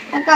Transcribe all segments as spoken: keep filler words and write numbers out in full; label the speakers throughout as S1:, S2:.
S1: কাকা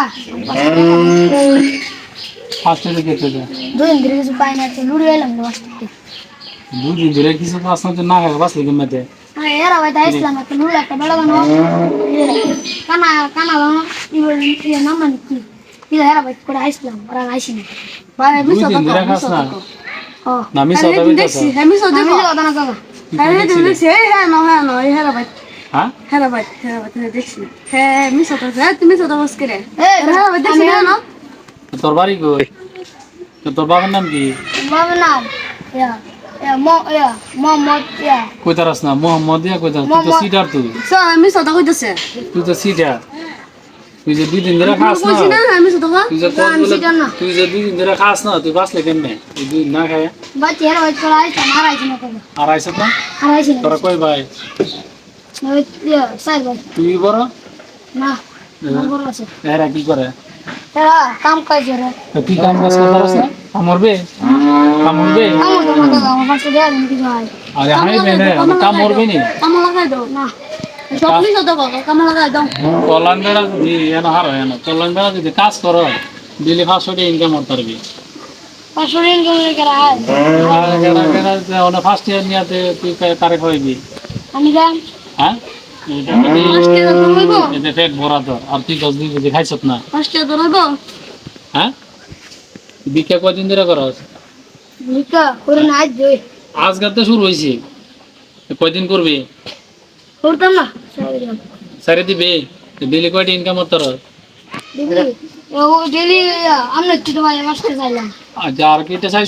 S2: ফার্স্টে দিকে তো যা
S1: দুই দিন ধরে কিছু পাই না তো লুড়ি এলাম না বাসতে
S2: দুই দিন ধরে কিছু পাস না তো না খাবে বাস লিখে মেতে
S1: আরে এরা ভাই তাই ইসলাম একটা লুড়ি একটা বেলা বানো কানা কানা বানো ইবল ইয়ে নাম মানে কি কি এরা ভাই করে আইসলাম ওরা আইসি না ভাই
S2: দুই
S1: মিস
S2: দিন ধরে খাস না
S1: ও
S2: না মিস হতে
S1: দেখছি হ্যাঁ মিস হতে আমি কথা না কাকা হ্যাঁ দেখছি হ্যাঁ না হ্যাঁ না এরা ভাই
S2: হ্যাঁ
S1: হ্যাঁ ভাই হ্যাঁ ভাই দেখছি হ্যাঁ মিস হতে হ্যাঁ তুমি মিস হতে বস করে হ্যাঁ ভাই দেখছি না
S2: তোর বাড়ি কই তোর বাবার নাম কি
S1: বাবার নাম ইয়া ইয়া মো ইয়া মোহাম্মদ ইয়া
S2: কই তারাস না মোহাম্মদ ইয়া কই তারাস তুই তো সিটার তুই
S1: স্যার আমি সদা কইতেছে
S2: তুই তো সিটার তুই যে দুই দিন ধরে খাস না
S1: বলছি না আমি সদা
S2: তুই যে কোন বলে তুই যে দুই দিন ধরে খাস না তুই বাসলে কেমনে তুই দুই না খায়
S1: বাচ্চা এর ওই চলে আইছে মারাইছে না কবে
S2: আর আইছ না
S1: হারাইছে না
S2: তোরা কই ভাই
S1: ওই ইয়া সাইড ভাই
S2: তুই বড়
S1: না আমার বড় আছে
S2: এরা কি করে
S1: এরা কাম কাজ করে
S2: তো তুই কাম কাজ করতে পারছ না কামড়বে কামড়বে
S1: কাম তো মাথা আমার পাশে দেয়া দিন কি ভাই
S2: আরে হাই বেনে কাম মরবে নি
S1: কাম লাগাই দাও না সবই সদা কাকা কাম লাগাই দাও
S2: চলান বেড়া যদি এনা হার হয় না চলান বেড়া যদি কাজ করো দিলে পাঁচশো টাকা ইনকাম করতে পারবি
S1: পাঁচশো ঋণ করে করা হয়
S2: আর কেনা কেনা ওনা ফার্স্ট ইয়ার নিয়াতে তুই তারে খাওয়াবি
S1: আমি যাই
S2: হ্যাঁ এটা
S1: আজকে তো হইব
S2: এটা পেট ভরা তোর আর তুই দশ দিন যদি খাইছত না
S1: আজকে তো হইব
S2: হ্যাঁ বিক্রিয়া কয়দিন ধরে করস
S1: নিকা করে না আজ জয়
S2: আজকাল তো শুরু হয়েছে কয়দিন করবি
S1: করতাম না
S2: সারে দিবে ডেলি কয়টা ইনকাম করতে পারো
S1: দিদি ও ডেলি আমরা তো ভাই আসতে চাইলাম
S2: আচ্ছা আর কিটা চাইছ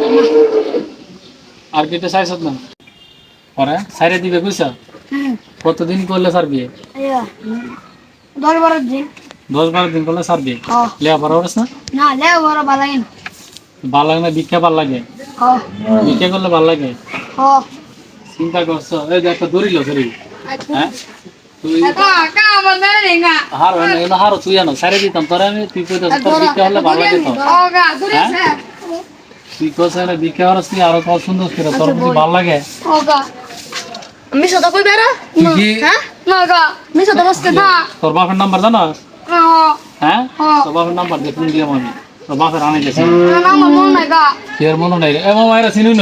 S2: আর কিটা চাইছ না পরে সারে দিবে বুঝছ
S1: হুম
S2: কতদিন করলে সারবি
S1: আয়া দশ বারো দিন
S2: দশ বারো দিন করলে সারবি
S1: ও
S2: লেয়া পরে ওরস না
S1: না লে বড় বালাইন
S2: ভাল লাগে না ভিক্ষা ভাল লাগে
S1: ও
S2: ভিক্ষা করলে ভাল লাগে
S1: ও
S2: চিন্তা করছ এই যে একটা দড়িল সরি হ্যাঁ তুই
S1: কাকা কাকা আমার মেরে দেঙ্গা
S2: হার হয় না এগুলো হারও তুই আনো সারে দিতাম তোরা আমি তুই কইতাস তোর ভিক্ষা হলে ভাল লাগে তো
S1: ও গা দূরে আছে
S2: তুই কইছ না ভিক্ষা হরস তুই আরো কত সুন্দর করে তোর যদি ভাল লাগে
S1: ও গা আমি সদা কই বেরা
S2: তুই কি
S1: হ্যাঁ না গা আমি সদা বসতে না
S2: তোর বাপের নাম্বার জানাস
S1: ও
S2: হ্যাঁ
S1: হ্যাঁ।
S2: তোর বাপের নাম্বার দিয়ে ফোন দিলাম আমি তোর বাপের আনে গেছে
S1: না আমার মন নাই গা
S2: এর মনে নাই রে এ মামা এরা চিনুন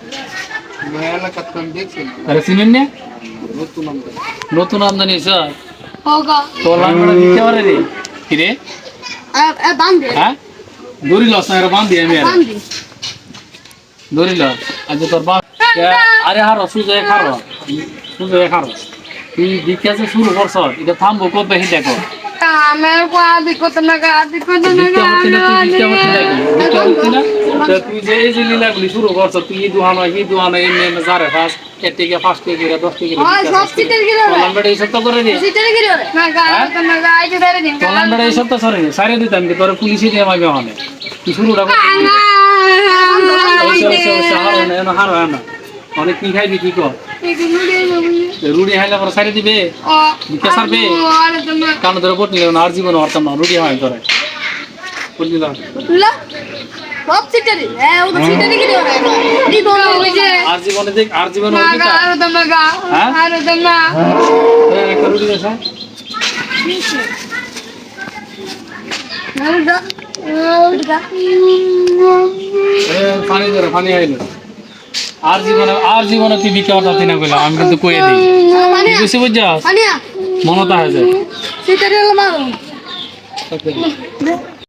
S2: আরে চিনুন না নতুন আমদানি স্যার
S1: ও গা
S2: তোর লাঙ্গড়া দিতে পারে রে কি রে
S1: এ এ বান্ধে
S2: হ্যাঁ দড়ি লস না এরা বান্ধি আমি আর
S1: বান্ধে
S2: দড়ি লস আজ তোর বাপ আরে হারো সুজয় খারো সুজয় খারো তুই বিকাশে শুরু করছ এটা থামবো কবে হি দেখো
S1: আমার কো আদি কত না গা আদি কত না
S2: ভিক্ষা
S1: গা
S2: হচ্ছে না তুই ভিক্ষা হচ্ছে নাকি ভিক্ষা হচ্ছে না তো তুই যে এই যে লীলাগুলি শুরু করছ তুই এই দুহানো এই দুহানো এমনি এমনি যারে ফার্স্ট এর থেকে ফার্স্ট থেকে দশ থেকে
S1: ওই সব সিটের গিরে
S2: চলান বেড়ে এই সপ্তাহ করে রে
S1: সিটের গিরে না গা কত না গা আইতে ধরে দিন
S2: চলান বেড়ে এই সপ্তাহ সরে সারে দিতাম কি তোর পুলিশে দিয়ে মাইবে মানে তুই শুরুটা কর হারো না হারো না অনেক কি খাইবি কি কর রুড়ি হাইলে পরে সারি দিবে ভিক্ষা সারবে কান ধরে বট নিলে আর জীবন হরতাম না রুড়ি হয় তোরে বুঝলিলাম
S1: সব সিটের এ ও তো সিটের গিরে ই দোনো ওই যে
S2: আর জীবনে দেখ আর জীবনে
S1: না গা আর দম না গা আর দম না
S2: একটা রুড়ি দেশা
S1: আর দা
S2: পানি ধরে পানি আইলো আর জীবনে আর জীবনে তুই ভিক্ষা করতে না কইলাম আমি কিন্তু কইয়ে দিই তুই বুঝতে বুঝছা
S1: আনিয়া
S2: মনতা হয়ে যায়
S1: সিটের এলো মারো